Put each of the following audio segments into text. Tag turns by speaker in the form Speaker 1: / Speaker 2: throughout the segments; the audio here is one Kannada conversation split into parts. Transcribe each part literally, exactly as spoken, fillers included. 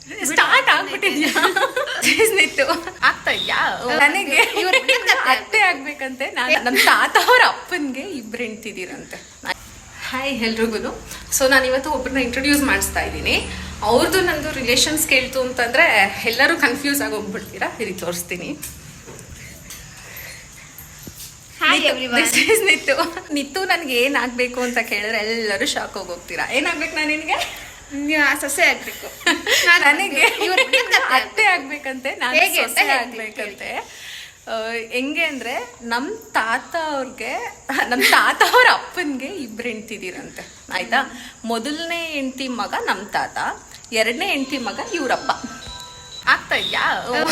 Speaker 1: ಸ್ಟಾರ್ಟ್ ಆಗ್ಬಿಟ್ಟಿದ್ಯಾ ನಿತ್ತು ಆಗ್ತಾ ಇದ್ಯಾ ನನಗೆ ಅತ್ತೆ ಆಗ್ಬೇಕಂತೆ ನಾನು ನಮ್ಮ ತಾತ ಅವ್ರ ಅಪ್ಪನ್ಗೆ ಇಬ್ರು ಹೆಂಡ್ತಿದ್ದೀರಂತೆ. ಹಾಯ್ ಎಲ್ರಿಗೂ. ಸೊ ನಾನು ಇವತ್ತು ಒಬ್ಬರನ್ನ ಇಂಟ್ರೊಡ್ಯೂಸ್ ಮಾಡಿಸ್ತಾ ಇದ್ದೀನಿ. ಅವ್ರದ್ದು ನಂದು ರಿಲೇಷನ್ಸ್ ಕೇಳ್ತು ಅಂತಂದ್ರೆ ಎಲ್ಲರೂ ಕನ್ಫ್ಯೂಸ್ ಆಗಿ ಹೋಗ್ಬಿಡ್ತೀರಾ. ಇಲ್ಲಿ ತೋರಿಸ್ತೀನಿ. ನಿತ್ತು ನಿತ್ತು ನನಗೆ ಏನಾಗಬೇಕು ಅಂತ ಕೇಳಿದ್ರೆ ಎಲ್ಲರೂ ಶಾಕ್ ಹೋಗಿ ಹೋಗ್ತೀರಾ. ಏನಾಗ್ಬೇಕು ನಾನು ನಿನಗೆ
Speaker 2: ಸೊಸೆ ಆಗ್ಬೇಕು.
Speaker 1: ನನಗೆ ಅತ್ತೆ ಆಗ್ಬೇಕಂತೆ, ನಾನು ಸೊಸೆ ಆಗ್ಬೇಕಂತೆ. ಹೆಂಗೆ ಅಂದ್ರೆ ನಮ್ ತಾತ ಅವ್ರಿಗೆ ನಮ್ ತಾತ ಅವ್ರ ಅಪ್ಪನ್ಗೆ ಇಬ್ರು ಹೆಂಡ್ತಿದ್ದೀರಂತೆ. ಆಯ್ತಾ, ಮೊದಲನೇ ಹೆಂಡತಿ ಮಗ ನಮ್ ತಾತ, ಎರಡನೇ ಹೆಂಡತಿ ಮಗ ಇವ್ರಪ್ಪ. ಆಗ್ತಾ ಇದ್ಯಾ?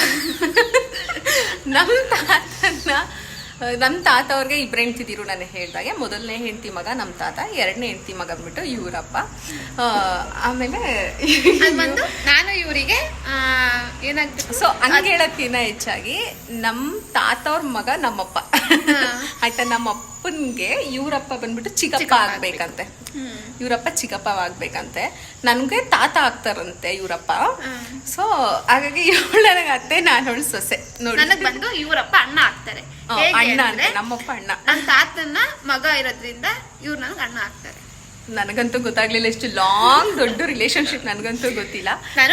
Speaker 1: ನಮ್ ತಾತನ ನಮ್ಮ ತಾತ ಅವ್ರಿಗೆ ಇಬ್ರು ಹೆಂಡ್ತಿದ್ದೀರು. ನಾನು ಹೇಳ್ದಾಗೆ ಮೊದಲನೇ ಹೆಂಡತಿ ಮಗ ನಮ್ಮ ತಾತ, ಎರಡನೇ ಹೆಂಡತಿ ಮಗ ಅಂದ್ಬಿಟ್ಟು ಇವರಪ್ಪ. ಆಮೇಲೆ
Speaker 2: ನಾನು ಇವರಿಗೆ ಏನಾಗ್ಬೇಕು
Speaker 1: ಸೊ ಹಂಗೆ ಹೇಳಕ್ಕಿನ್ನ ಹೆಚ್ಚಾಗಿ ನಮ್ಮ ತಾತ ಅವ್ರ ಮಗ ನಮ್ಮಪ್ಪ. ಆಯ್ತಾ, ನಮ್ಮ ಅಪ್ಪನ್ಗೆ ಇವರಪ್ಪ ಬಂದ್ಬಿಟ್ಟು ಚಿಕ್ಕಪ್ಪ ಆಗ್ಬೇಕಂತೆ. ಇವರಪ್ಪ ಚಿಕ್ಕಪ್ಪ ಆಗ್ಬೇಕಂತೆ. ನನ್ಗೆ ತಾತ ಆಗ್ತಾರಂತೆ ಇವರಪ್ಪ. ಸೊ ಹಾಗಾಗಿ ಇವಳು ನನಗೆ ಅತ್ತೆ, ನಾನು ಅವಳು ಸೊಸೆ. ನೋಡಿ,
Speaker 2: ನನಗ್ ಬಂದು ಇವರಪ್ಪ ಅಣ್ಣ ಆಗ್ತಾರೆ.
Speaker 1: ಅಣ್ಣ ಅಂದ್ರೆ ನಮ್ಮಪ್ಪ ಅಣ್ಣ.
Speaker 2: ನನ್ನ ತಾತನ ಮಗ ಇರೋದ್ರಿಂದ ಇವ್ರು ನನಗೆ ಅಣ್ಣ ಆಗ್ತಾರೆ.
Speaker 1: ನನಗಂತೂ ಗೊತ್ತಾಗ್ಲಿಲ್ಲ, ಎಷ್ಟು ಲಾಂಗ್ ದೊಡ್ಡ ರಿಲೇಶನ್ಶಿಪ್ ನನಗಂತೂ ಗೊತ್ತಿಲ್ಲ.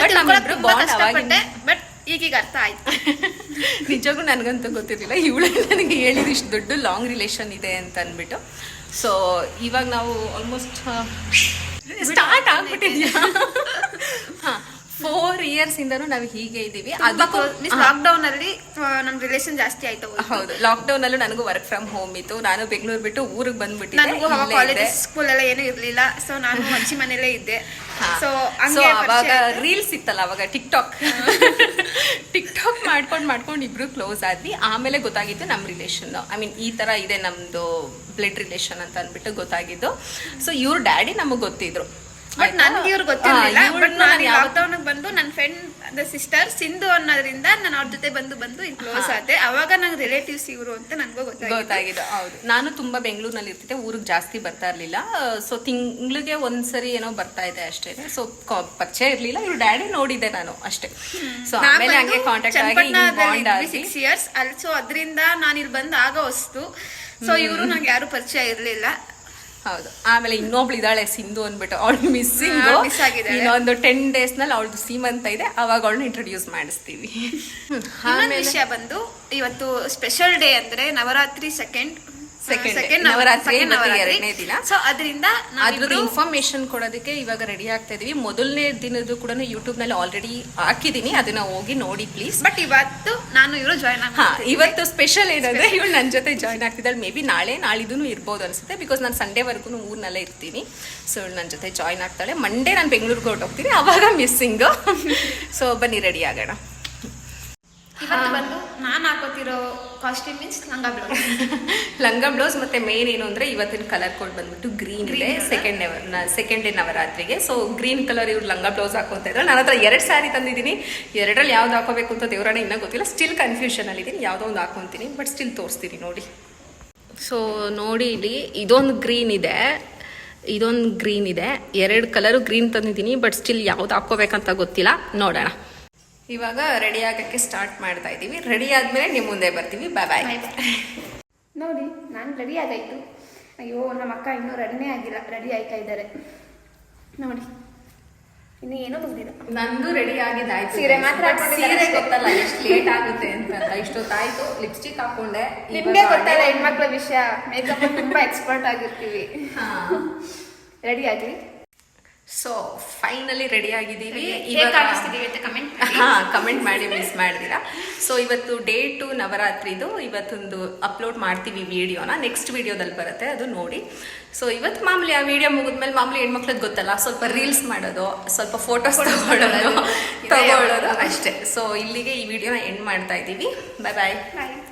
Speaker 2: ಬಟ್ ಈಗೀಗ ಅರ್ಥ ಆಯ್ತು.
Speaker 1: ನಿಜಕ್ಕೂ ನನಗಂತೂ ಗೊತ್ತಿರಲಿಲ್ಲ. ಇವಳು ನನಗೆ ಹೇಳಿದ್ರು ಇಷ್ಟು ದೊಡ್ಡ ಲಾಂಗ್ ರಿಲೇಷನ್ ಇದೆ ಅಂತ ಅಂದ್ಬಿಟ್ಟು. ಸೊ ಇವಾಗ ನಾವು ಆಲ್ಮೋಸ್ಟ್ ಸ್ಟಾರ್ಟ್ ಆಗ್ಬಿಟ್ಟಿದ್ಯಾ. ಹಾ, ಫೋರ್ ಇಯರ್ಸ್ ಇಂದನೂ ನಾವು ಹೀಗೆ ಇದೀವಿ.
Speaker 2: ಅದಕ್ಕೂ ಲಾಕ್ ಡೌನ್ ಅಲ್ಲಿ ನಮ್ ರಿಲೇಷನ್ ಜಾಸ್ತಿ ಆಯ್ತು.
Speaker 1: ಹೌದು, ಲಾಕ್ ಡೌನ್ ಅಲ್ಲೂ ನನಗೂ ವರ್ಕ್ ಫ್ರಮ್ ಹೋಮ್ ಇತ್ತು. ನಾನು ಬೆಂಗಳೂರು ಬಿಟ್ಟು ಊರಿಗೆ ಬಂದ್ಬಿಟ್ಟಿದ್ದೆ.
Speaker 2: ನನಗೂ ಕಾಲೇಜ್ ಸ್ಕೂಲ್ ಎಲ್ಲ ಏನೂ ಇರ್ಲಿಲ್ಲ. ಸೊ ನಾನು ಅಜ್ಜಿ ಮನೇಲೇ ಇದ್ದೆ. ಸೊ
Speaker 1: ಅವಾಗ ರೀಲ್ಸ್ ಇತ್ತಲ್ಲ, ಅವಾಗ ಟಿಕ್ ಟಾಕ್ ಟಿಕ್ ಟಾಕ್ ಮಾಡ್ಕೊಂಡ್ ಮಾಡ್ಕೊಂಡು ಇಬ್ರು ಕ್ಲೋಸ್ ಆದ್ವಿ. ಆಮೇಲೆ ಗೊತ್ತಾಗಿತ್ತು ನಮ್ ರಿಲೇಷನ್, ಐ ಮೀನ್ ಈ ತರ ಇದೆ ನಮ್ದು ಬ್ಲಡ್ ರಿಲೇಷನ್ ಅಂತ ಅಂದ್ಬಿಟ್ಟು ಗೊತ್ತಾಗಿದ್ದು. ಸೊ ಇವ್ರ ಡ್ಯಾಡಿ ನಮಗ್ ಗೊತ್ತಿದ್ರು,
Speaker 2: ಬಟ್ ನನ್ಗೆ ಇವ್ರು ಗೊತ್ತಿರಲಿಲ್ಲ. ಬಟ್ ನಾನು ಲಾಕ್ಡೌನ್ ಬಂದು ನನ್ನ ಫ್ರೆಂಡ್ ಸಿಸ್ಟರ್ ಸಿಂಧು ಅನ್ನೋದ್ರಿಂದ ನಾನು ಅವ್ರ ಜೊತೆ ಬಂದು ಬಂದು ಇಲ್ಲಿ ಕ್ಲೋಸ್ ಆದೆ. ಅವಾಗ ನಂಗೆ ರಿಲೇಟಿವ್ಸ್ ಇವರು ಅಂತ ನನಗೂ
Speaker 1: ಗೊತ್ತಾಗಿದ್ದು. ಹೌದು, ನಾನು ತುಂಬಾ ಬೆಂಗಳೂರಿನಲ್ಲಿ ಇರ್ತಿದ್ದೆ, ಊರಿಗೆ ಜಾಸ್ತಿ ಬರ್ತಾ ಇರ್ಲಿಲ್ಲ. ಸೊ ತಿಂಗಳಿಗೆ ಒಂದ್ಸರಿ ಏನೋ ಬರ್ತಾ ಇದೆ ಅಷ್ಟೇ. ಸೊ ಪರಿಚಯ ಇರ್ಲಿಲ್ಲ. ಇವ್ರ ಡ್ಯಾಡಿ ನೋಡಿದ್ದೆ ನಾನು ಅಷ್ಟೇ. ಸೊ ಆಮೇಲೆ ಹಂಗೆ ಕಾಂಟ್ಯಾಕ್ಟ್ ಆಗಿ
Speaker 2: ಸಿಕ್ಸ್ ಇಯರ್ಸ್ ಅಲ್ಲಿ. ಸೊ ಅದರಿಂದ ನಾನು ಇಲ್ಲಿ ಬಂದು ಆಗ ಹೊಸ್ತು. ಸೊ ಇವರು ನಂಗೆ ಯಾರು ಪರಿಚಯ ಇರ್ಲಿಲ್ಲ.
Speaker 1: ಹೌದು, ಆಮೇಲೆ ಇನ್ನೊಬ್ಳು ಇದ್ದಾಳೆ ಸಿಂಧು ಅಂದ್ಬಿಟ್ಟು, ಅವಳು ಮಿಸ್ಸಿಂಗ್
Speaker 2: ಮಿಸ್ ಆಗಿದೆ.
Speaker 1: ಇನ್ನೊಂದು ಟೆನ್ ಡೇಸ್ ನಲ್ಲಿ ಅವಳದು ಸೀಮಂತ ಇದೆ, ಅವಾಗ ಅವಳನ್ನ ಇಂಟ್ರೊಡ್ಯೂಸ್ ಮಾಡಿಸ್ತೀವಿ.
Speaker 2: ಆಮೇಲೆ ವಿಷಯ ಬಂದು ಇವತ್ತು ಸ್ಪೆಷಲ್ ಡೇ ಅಂದ್ರೆ ನವರಾತ್ರಿ ಸೆಕೆಂಡ್
Speaker 1: ಸೆಕೆಂಡ್ ನವರಾತ್ರಿ ಎರಡನೇ ದಿನ.
Speaker 2: ಸೊ ಅದರಿಂದ
Speaker 1: ಅದ್ರದ್ದು ಇನ್ಫಾರ್ಮೇಶನ್ ಕೊಡೋದಕ್ಕೆ ಇವಾಗ ರೆಡಿ ಆಗ್ತಾ ಇದೀವಿ. ಮೊದಲನೇ ದಿನದ್ದು ಕೂಡ ಯೂಟ್ಯೂಬ್ ನಲ್ಲಿ ಆಲ್ರೆಡಿ ಹಾಕಿದೀನಿ, ಅದನ್ನ ಹೋಗಿ ನೋಡಿ ಪ್ಲೀಸ್.
Speaker 2: ಬಟ್ ಇವತ್ತು ನಾನು ಇವರು ಜಾಯ್ನ್
Speaker 1: ಹಾ ಇವತ್ತು ಸ್ಪೆಷಲ್ ಏನಂದ್ರೆ ಇವಳು ನನ್ನ ಜೊತೆ ಜಾಯ್ನ್ ಆಗ್ತಿದ್ದಾಳೆ. ಮೇ ಬಿ ನಾಳೆ ನಾಳಿದ್ದು ಇರ್ಬೋದು ಅನ್ಸುತ್ತೆ, ಬಿಕಾಸ್ ನಾನು ಸಂಡೇವರೆಗೂ ಊರ್ನಲ್ಲೇ ಇರ್ತೀನಿ. ಸೊ ಇವಳು ನನ್ನ ಜೊತೆ ಜಾಯ್ನ್ ಆಗ್ತಾಳೆ. ಮಂಡೇ ನಾನು ಬೆಂಗಳೂರಿಗೆ ಹೊರಟೋಗ್ತೀನಿ, ಅವಾಗ ಮಿಸ್ಸಿಂಗ್. ಸೊ ಬನ್ನಿ ರೆಡಿ ಆಗೋಣ.
Speaker 2: ಇವತ್ತು ಬಂದು ನಾನು ಹಾಕೋತಿರೋ ಕಾಸ್ಟ್ಯೂಮ್ ಮೀನ್ಸ್ ಲಂಗ ಬ್ಲೌಸ್.
Speaker 1: ಲಂಗ ಬ್ಲೌಸ್ ಮತ್ತೆ ಮೇನ್ ಏನು ಅಂದ್ರೆ ಇವತ್ತಿನ ಕಲರ್ ಕೋಡ್ ಬಂದ್ಬಿಟ್ಟು ಗ್ರೀನ್ ಇದೆ. ಸೆಕೆಂಡ್ ಸೆಕೆಂಡ್ ಡೇ ನವರಾತ್ರಿಗೆ. ಸೊ ಗ್ರೀನ್ ಕಲರ್ ಇವ್ರು ಲಂಗ ಬ್ಲೌಸ್ ಹಾಕೋತ ಇದ್ರು. ನನ್ನ ಹತ್ರ ಎರಡು ಸ್ಯಾರಿ ತಂದಿದ್ದೀನಿ. ಎರಡರಲ್ಲಿ ಯಾವ್ದು ಹಾಕೋಬೇಕು ಅಂತ ದೇವರಾಣೆ ಇನ್ನೂ ಗೊತ್ತಿಲ್ಲ. ಸ್ಟಿಲ್ ಕನ್ಫ್ಯೂಷನ್ ಅಲ್ಲಿ ಇದ್ದೀನಿ, ಯಾವುದೋ ಒಂದು ಹಾಕೊಂತೀನಿ. ಬಟ್ ಸ್ಟಿಲ್ ತೋರಿಸ್ತೀನಿ ನೋಡಿ. ಸೊ ನೋಡಿ, ಇಲ್ಲಿ ಇದೊಂದು ಗ್ರೀನ್ ಇದೆ, ಇದೊಂದು ಗ್ರೀನ್ ಇದೆ. ಎರಡು ಕಲರು ಗ್ರೀನ್ ತಂದಿದ್ದೀನಿ. ಬಟ್ ಸ್ಟಿಲ್ ಯಾವ್ದು ಹಾಕೋಬೇಕಂತ ಗೊತ್ತಿಲ್ಲ, ನೋಡೋಣ. ಇವಾಗ ರೆಡಿ ಆಗಕ್ಕೆ ಸ್ಟಾರ್ಟ್ ಮಾಡ್ತಾ ಇದ್ದೀವಿ. ರೆಡಿ ಆದ್ಮೇಲೆ ನಿಮ್ಮ ಮುಂದೆ ಬರ್ತೀವಿ. ಬಾಯ್ ಬಾಯ್.
Speaker 2: ನೋಡಿ, ನಾನು ರೆಡಿ ಆಗಾಯ್ತು. ಅಯ್ಯೋ, ನಮ್ಮ ಅಕ್ಕ ಇನ್ನೂ ರೆಡಿನೇ ಆಗಿಲ್ಲ, ರೆಡಿ ಆಯ್ತಾ ಇದ್ದಾರೆ ನೋಡಿ. ಇನ್ನು ಏನೋ ಬಂದಿಲ್ಲ.
Speaker 1: ನಂದು ರೆಡಿ ಆಗಿದ್ದಾಯ್ತು.
Speaker 2: ಸೀರೆ ಮಾತ್ರ
Speaker 1: ಸೀರೆ ಗೊತ್ತಲ್ಲ ಎಷ್ಟು ಲೇಟ್ ಆಗುತ್ತೆ ಅಂತ. ಇಷ್ಟೊತ್ತಾಯ್ತು, ಲಿಪ್ಸ್ಟಿಕ್ ಹಾಕೊಂಡೆ.
Speaker 2: ನಿಮ್ಗೆ ಗೊತ್ತಲ್ಲ ಹೆಣ್ಮಕ್ಳ ವಿಷಯ, ಮೇಕಪ್ ತುಂಬಾ ಎಕ್ಸ್ಪರ್ಟ್ ಆಗಿರ್ತೀವಿ. ರೆಡಿ ಆಗ್ಲಿ.
Speaker 1: ಸೊ ಫೈನಲಿ ರೆಡಿ ಆಗಿದ್ದೀವಿ.
Speaker 2: ಹಾ
Speaker 1: ಕಮೆಂಟ್ ಮಾಡಿ ಮಿಸ್ ಮಾಡಿದಿರಾ. ಸೊ ಇವತ್ತು ಡೇ ಟು ನವರಾತ್ರಿದು ಇವತ್ತೊಂದು ಅಪ್ಲೋಡ್ ಮಾಡ್ತೀವಿ ವಿಡಿಯೋನ. ನೆಕ್ಸ್ಟ್ ವಿಡಿಯೋದಲ್ಲಿ ಬರುತ್ತೆ, ಅದು ನೋಡಿ. ಸೊ ಇವತ್ತು ಮಾಮೂಲಿ ಆ ವಿಡಿಯೋ ಮುಗಿದ್ಮೇಲೆ ಮಾಮೂಲಿ ಹೆಣ್ಮಕ್ಳಿಗೆ ಗೊತ್ತಲ್ಲ, ಸ್ವಲ್ಪ ರೀಲ್ಸ್ ಮಾಡೋದು, ಸ್ವಲ್ಪ ಫೋಟೋಸ್ ತಗೊಳ್ಳೋದು ತಗೊಳ್ಳೋದು ಅಷ್ಟೇ. ಸೊ ಇಲ್ಲಿಗೆ ಈ ವಿಡಿಯೋನ ಎಂಡ್ ಮಾಡ್ತಾ ಇದ್ದೀವಿ. ಬಾಯ್ ಬಾಯ್.